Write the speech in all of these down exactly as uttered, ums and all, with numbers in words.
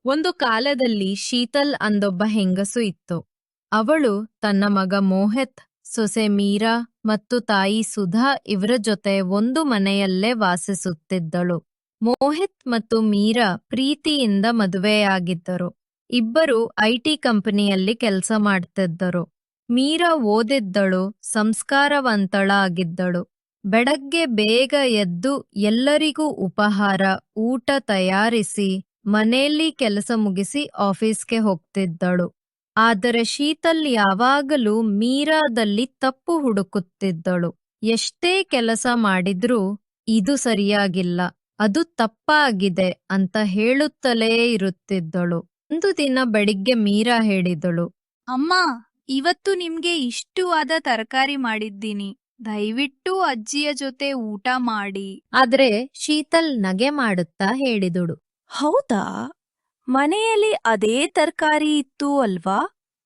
ಒಂದು ಕಾಲದಲ್ಲಿ ಶೀತಲ್ ಅಂದೊಬ್ಬ ಹೆಂಗಸು ಇತ್ತು. ಅವಳು ತನ್ನ ಮಗ ಮೋಹಿತ್, ಸೊಸೆ ಮೀರಾ ಮತ್ತು ತಾಯಿ ಸುಧಾ ಇವರ ಜೊತೆ ಒಂದು ಮನೆಯಲ್ಲೇ ವಾಸಿಸುತ್ತಿದ್ದಳು. ಮೋಹಿತ್ ಮತ್ತು ಮೀರಾ ಪ್ರೀತಿಯಿಂದ ಮದುವೆಯಾಗಿದ್ದರು. ಇಬ್ಬರು ಐಟಿ ಕಂಪನಿಯಲ್ಲಿ ಕೆಲಸ ಮಾಡ್ತಿದ್ದರು. ಮೀರಾ ಓದಿದ್ದಳು, ಸಂಸ್ಕಾರವಂತಳಾಗಿದ್ದಳು. ಬೆಳಗ್ಗೆ ಬೇಗ ಎದ್ದು ಎಲ್ಲರಿಗೂ ಉಪಹಾರ, ಊಟ ತಯಾರಿಸಿ ಮನೆಯಲ್ಲಿ ಕೆಲಸ ಮುಗಿಸಿ ಆಫೀಸ್ಗೆ ಹೋಗ್ತಿದ್ದಳು. ಆದರೆ ಶೀತಲ್ ಯಾವಾಗಲೂ ಮೀರಾದಲ್ಲಿ ತಪ್ಪು ಹುಡುಕುತ್ತಿದ್ದಳು. ಎಷ್ಟೇ ಕೆಲಸ ಮಾಡಿದ್ರೂ ಇದು ಸರಿಯಾಗಿಲ್ಲ, ಅದು ತಪ್ಪಾಗಿದೆ ಅಂತ ಹೇಳುತ್ತಲೇ ಇರುತ್ತಿದ್ದಳು. ಒಂದು ದಿನ ಬೆಳಿಗ್ಗೆ ಮೀರಾ ಹೇಳಿದಳು, ಅಮ್ಮ, ಇವತ್ತು ನಿಮ್ಗೆ ಇಷ್ಟವಾದ ತರಕಾರಿ ಮಾಡಿದ್ದೀನಿ, ದಯವಿಟ್ಟು ಅಜ್ಜಿಯ ಜೊತೆ ಊಟ ಮಾಡಿ. ಆದ್ರೆ ಶೀತಲ್ ನಗೆ ಮಾಡುತ್ತಾ ಹೇಳಿದಳು, ಹೌದಾ, ಮನೆಯಲ್ಲಿ ಅದೇ ತರಕಾರಿ ಇತ್ತು ಅಲ್ವಾ,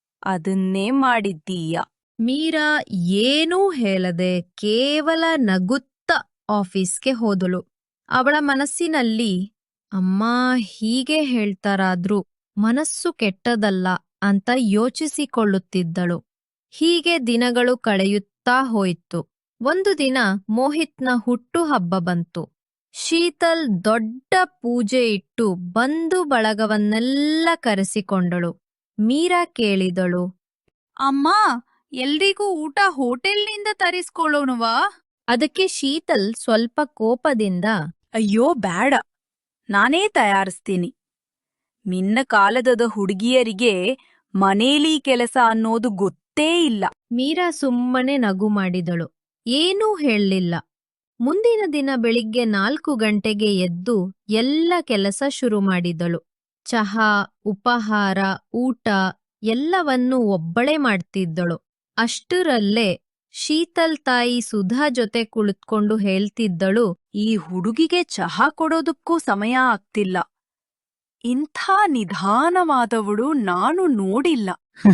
ಅದನ್ನೇ ಮಾಡಿದ್ದೀಯ. ಮೀರಾ ಏನೂ ಹೇಳದೆ ಕೇವಲ ನಗುತ್ತಾ ಆಫೀಸ್ಗೆ ಹೋದಳು. ಅವಳ ಮನಸ್ಸಿನಲ್ಲಿ ಅಮ್ಮ ಹೀಗೆ ಹೇಳ್ತಾರಾದ್ರೂ ಮನಸ್ಸು ಕೆಟ್ಟದಲ್ಲ ಅಂತ ಯೋಚಿಸಿಕೊಳ್ಳುತ್ತಿದ್ದಳು. ಹೀಗೆ ದಿನಗಳು ಕಳೆಯುತ್ತಾ ಹೋಯಿತು. ಒಂದು ದಿನ ಮೋಹಿತ್ನ ಹುಟ್ಟುಹಬ್ಬ ಬಂತು. ಶೀತಲ್ ದೊಡ್ಡ ಪೂಜೆ ಇಟ್ಟು ಬಂಧು ಬಳಗವನ್ನೆಲ್ಲ ಕರೆಸಿಕೊಂಡಳು. ಮೀರಾ ಕೇಳಿದಳು, ಅಮ್ಮ, ಎಲ್ರಿಗೂ ಊಟ ಹೋಟೆಲ್ನಿಂದ ತರಿಸ್ಕೊಳ್ಳೋಣವಾ? ಅದಕ್ಕೆ ಶೀತಲ್ ಸ್ವಲ್ಪ ಕೋಪದಿಂದ, ಅಯ್ಯೋ ಬೇಡ, ನಾನೇ ತಯಾರಿಸ್ತೀನಿ. ನಿನ್ನ ಕಾಲದ ಹುಡುಗಿಯರಿಗೆ ಮನೇಲಿ ಕೆಲಸ ಅನ್ನೋದು ಗೊತ್ತೇ ಇಲ್ಲ. ಮೀರಾ ಸುಮ್ಮನೆ ನಗು ಮಾಡಿದಳು, ಏನೂ ಹೇಳಲಿಲ್ಲ. ಮುಂದಿನ ದಿನ ಬೆಳಿಗ್ಗೆ ನಾಲ್ಕು ಗಂಟೆಗೆ ಎದ್ದು ಎಲ್ಲ ಕೆಲಸ ಶುರು ಮಾಡಿದಳು. ಚಹಾ, ಉಪಹಾರ, ಊಟ ಎಲ್ಲವನ್ನೂ ಒಬ್ಬಳೇ ಮಾಡ್ತಿದ್ದಳು. ಅಷ್ಟರಲ್ಲೇ ಶೀತಲ್ ತಾಯಿ ಸುಧಾ ಜೊತೆ ಕುಳಿತುಕೊಂಡು ಹೇಳ್ತಿದ್ದಳು, ಈ ಹುಡುಗಿಗೆ ಚಹಾ ಕೊಡೋದಕ್ಕೂ ಸಮಯ ಆಗ್ತಿಲ್ಲ. ಇಂಥ ನಿಧಾನವಾದವಳು ನಾನು ನೋಡಿಲ್ಲ.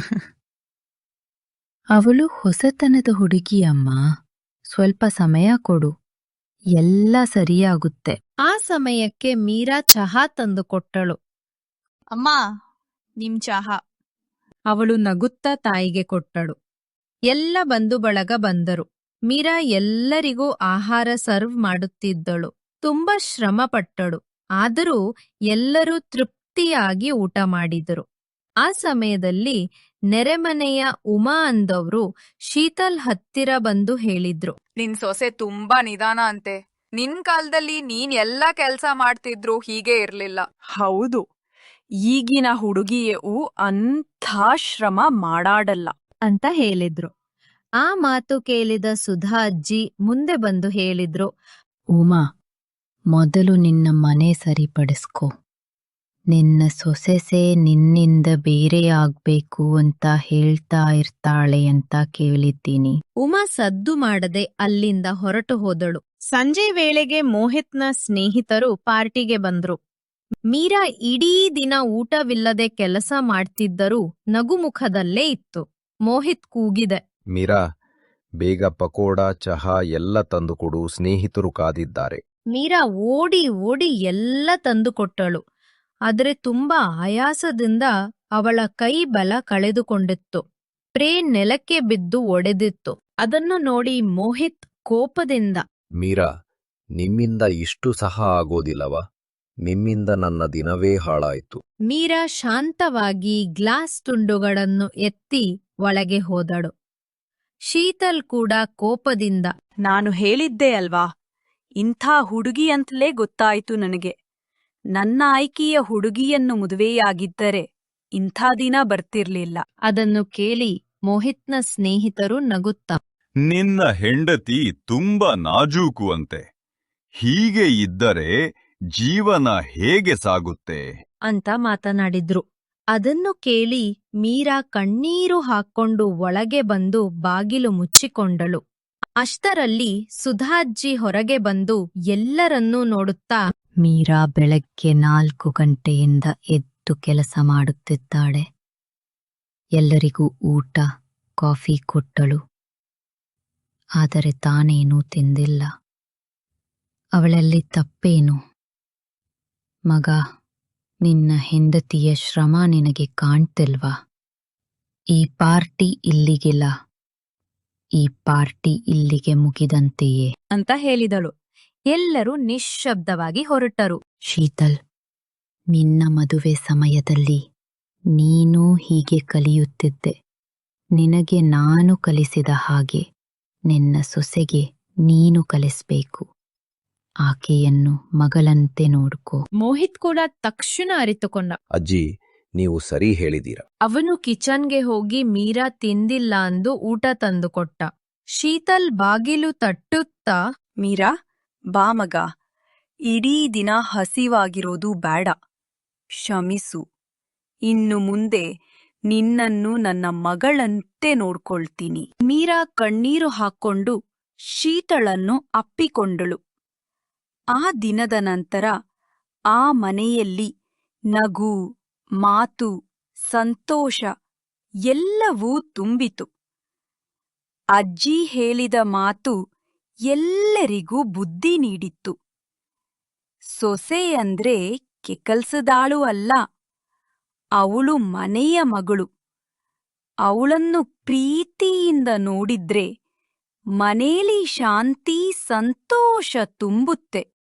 ಅವಳು ಹೊಸತನದ ಹುಡುಗಿಯಮ್ಮ, ಸ್ವಲ್ಪ ಸಮಯ ಕೊಡು, ಎಲ್ಲ ಸರಿಯಾಗುತ್ತೆ. ಆ ಸಮಯಕ್ಕೆ ಮೀರಾ ಚಹಾ ತಂದುಕೊಟ್ಟಳು. ಅಮ್ಮ, ನಿಮ್ ಚಹಾ. ಅವಳು ನಗುತ್ತಾ ತಾಯಿಗೆ ಕೊಟ್ಟಳು. ಎಲ್ಲ ಬಂಧು ಬಳಗ ಬಂದರು. ಮೀರಾ ಎಲ್ಲರಿಗೂ ಆಹಾರ ಸರ್ವ್ ಮಾಡುತ್ತಿದ್ದಳು. ತುಂಬಾ ಶ್ರಮ ಪಟ್ಟಳು. ಆದರೂ ಎಲ್ಲರೂ ತೃಪ್ತಿಯಾಗಿ ಊಟ ಮಾಡಿದರು. ಆ ಸಮಯದಲ್ಲಿ ನೆರೆಮನೆಯ ಉಮಾ ಅಂದವರು ಶೀತಲ್ ಹತ್ತಿರ ಬಂದು ಹೇಳಿದ್ರು, ನಿನ್ ಸೊಸೆ ತುಂಬಾ ನಿಧಾನ ಅಂತೆ. ನಿನ್ ಕಾಲದಲ್ಲಿ ನೀನ್ ಎಲ್ಲ ಕೆಲ್ಸ ಮಾಡ್ತಿದ್ರು ಹೀಗೆ ಇರ್ಲಿಲ್ಲ. ಹೌದು, ಈಗಿನ ಹುಡುಗಿಯು ಅಂಥ ಶ್ರಮ ಮಾಡಾಡಲ್ಲ ಅಂತ ಹೇಳಿದ್ರು. ಆ ಮಾತು ಕೇಳಿದ ಸುಧಾ ಅಜ್ಜಿ ಮುಂದೆ ಬಂದು ಹೇಳಿದ್ರು, ಉಮಾ, ಮೊದಲು ನಿನ್ನ ಮನೆ ಸರಿಪಡಿಸ್ಕೊ. ನಿನ್ನ ಸೊಸೆಸೆ ನಿನ್ನಿಂದ ಬೇರೆಯಾಗ್ಬೇಕು ಅಂತ ಹೇಳ್ತಾ ಇರ್ತಾಳೆ ಅಂತ ಕೇಳಿದ್ದೀನಿ. ಉಮಾ ಸದ್ದು ಮಾಡದೆ ಅಲ್ಲಿಂದ ಹೊರಟು ಹೋದಳು. ಸಂಜೆ ವೇಳೆಗೆ ಮೋಹಿತ್ನ ಸ್ನೇಹಿತರು ಪಾರ್ಟಿಗೆ ಬಂದ್ರು. ಮೀರಾ ಇಡೀ ದಿನ ಊಟವಿಲ್ಲದೆ ಕೆಲಸ ಮಾಡ್ತಿದ್ದರೂ ನಗುಮುಖದಲ್ಲೇ ಇತ್ತು. ಮೋಹಿತ್ ಕೂಗಿದೆ, ಮೀರಾ, ಬೇಗ ಪಕೋಡ, ಚಹಾ ಎಲ್ಲ ತಂದುಕೊಡು, ಸ್ನೇಹಿತರು ಕಾದಿದ್ದಾರೆ. ಮೀರಾ ಓಡಿ ಓಡಿ ಎಲ್ಲ ತಂದುಕೊಟ್ಟಳು. ಆದರೆ ತುಂಬಾ ಆಯಾಸದಿಂದ ಅವಳ ಕೈ ಬಲ ಕಳೆದುಕೊಂಡಿತ್ತು. ಟ್ರೇ ನೆಲಕ್ಕೆ ಬಿದ್ದು ಒಡೆದಿತ್ತು. ಅದನ್ನು ನೋಡಿ ಮೋಹಿತ್ ಕೋಪದಿಂದ, ಮೀರಾ, ನಿಮ್ಮಿಂದ ಇಷ್ಟು ಸಹ ಆಗೋದಿಲ್ಲವಾ? ನಿಮ್ಮಿಂದ ನನ್ನ ದಿನವೇ ಹಾಳಾಯ್ತು. ಮೀರಾ ಶಾಂತವಾಗಿ ಗ್ಲಾಸ್ ತುಂಡುಗಳನ್ನು ಎತ್ತಿ ಒಳಗೆ ಹೋದಳು. ಶೀತಲ್ ಕೂಡ ಕೋಪದಿಂದ, ನಾನು ಹೇಳಿದ್ದೆ ಅಲ್ವಾ, ಇಂಥ ಹುಡುಗಿಯಂತಲೇ ಗೊತ್ತಾಯ್ತು ನನಗೆ. ನನ್ನ ಆಯ್ಕೆಯ ಹುಡುಗಿಯನ್ನು ಮದುವೆಯಾಗಿದ್ದರೆ ಇಂಥ ದಿನ ಬರ್ತಿರ್ಲಿಲ್ಲ. ಅದನ್ನು ಕೇಳಿ ಮೋಹಿತ್ನ ಸ್ನೇಹಿತರು ನಗುತ್ತಾ, ನಿನ್ನ ಹೆಂಡತಿ ತುಂಬಾ ನಾಜೂಕು ಅಂತೆ. ಹೀಗೆ ಇದ್ದರೆ ಜೀವನ ಹೇಗೆ ಸಾಗುತ್ತೆ ಅಂತ ಮಾತನಾಡಿದ್ರು. ಅದನ್ನು ಕೇಳಿ ಮೀರಾ ಕಣ್ಣೀರು ಹಾಕ್ಕೊಂಡು ಒಳಗೆ ಬಂದು ಬಾಗಿಲು ಮುಚ್ಚಿಕೊಂಡಳು. ಅಷ್ಟರಲ್ಲಿ ಸುಧಾಜ್ಜಿ ಹೊರಗೆ ಬಂದು ಎಲ್ಲರನ್ನೂ ನೋಡುತ್ತಾ, ಮೀರಾ ಬೆಳಗ್ಗೆ ನಾಲ್ಕು ಗಂಟೆಯಿಂದ ಎದ್ದು ಕೆಲಸ ಮಾಡುತ್ತಿದ್ದಾಳೆ. ಎಲ್ಲರಿಗೂ ಊಟ, ಕಾಫಿ ಕೊಟ್ಟಳು. ಆದರೆ ತಾನೇನೂ ತಿಂದಿಲ್ಲ. ಅವಳಲ್ಲಿ ತಪ್ಪೇನು? ಮಗ, ನಿನ್ನ ಹೆಂಡತಿಯ ಶ್ರಮ ನಿನಗೆ ಕಾಣ್ತಿಲ್ವಾ? ಈ ಪಾರ್ಟಿ ಇಲ್ಲಿಗಿಲ್ಲ. ಈ ಪಾರ್ಟಿ ಇಲ್ಲಿಗೆ ಮುಗಿದಂತೆಯೇ ಅಂತ ಹೇಳಿದಳು. ಎಲ್ಲರೂ ನಿಶ್ಶಬ್ದವಾಗಿ ಹೊರಟರು. ಶೀತಲ್, ನಿನ್ನ ಮದುವೆ ಸಮಯದಲ್ಲಿ ನೀನೂ ಹೀಗೆ ಕಲಿಯುತ್ತಿದ್ದೆ. ನಿನಗೆ ನಾನು ಕಲಿಸಿದ ಹಾಗೆ ನಿನ್ನ ಸೊಸೆಗೆ ನೀನು ಕಲಿಸ್ಬೇಕು. ಆಕೆಯನ್ನು ಮಗಳಂತೆ ನೋಡ್ಕೋ. ಮೋಹಿತ್ ಕೂಡ ತಕ್ಷಣ ಅರಿತುಕೊಂಡ. ಅಜ್ಜಿ, ನೀವು ಸರಿ ಹೇಳಿದೀರ. ಅವನು ಕಿಚನ್ಗೆ ಹೋಗಿ ಮೀರಾ ತಿಂದಿಲ್ಲ ಅಂದು ಊಟ ತಂದುಕೊಟ್ಟ. ಶೀತಲ್ ಬಾಗಿಲು ತಟ್ಟುತ್ತಾ, ಮೀರಾ, ಬಾ ಮಗ. ಇಡೀ ದಿನ ಹಸಿವಾಗಿರೋದು ಬೇಡ. ಕ್ಷಮಿಸು. ಇನ್ನು ಮುಂದೆ ನಿನ್ನನ್ನು ನನ್ನ ಮಗಳಂತೆ ನೋಡ್ಕೊಳ್ತೀನಿ. ಮೀರಾ ಕಣ್ಣೀರು ಹಾಕ್ಕೊಂಡು ಶೀತಳನ್ನು ಅಪ್ಪಿಕೊಂಡಳು. ಆ ದಿನದ ನಂತರ ಆ ಮನೆಯಲ್ಲಿ ನಗು, ಮಾತು, ಸಂತೋಷ ಎಲ್ಲವೂ ತುಂಬಿತು. ಅಜ್ಜಿ ಹೇಳಿದ ಮಾತು ಎಲ್ಲರಿಗೂ ಬುದ್ಧಿ ನೀಡಿತ್ತು. ಸೊಸೆ ಅಂದ್ರೆ ಕೆಕಲ್ಸದಾಳು ಅಲ್ಲ, ಅವಳು ಮನೆಯ ಮಗಳು. ಅವಳನ್ನು ಪ್ರೀತಿಯಿಂದ ನೋಡಿದ್ರೆ ಮನೇಲಿ ಶಾಂತಿ, ಸಂತೋಷ ತುಂಬುತ್ತೆ.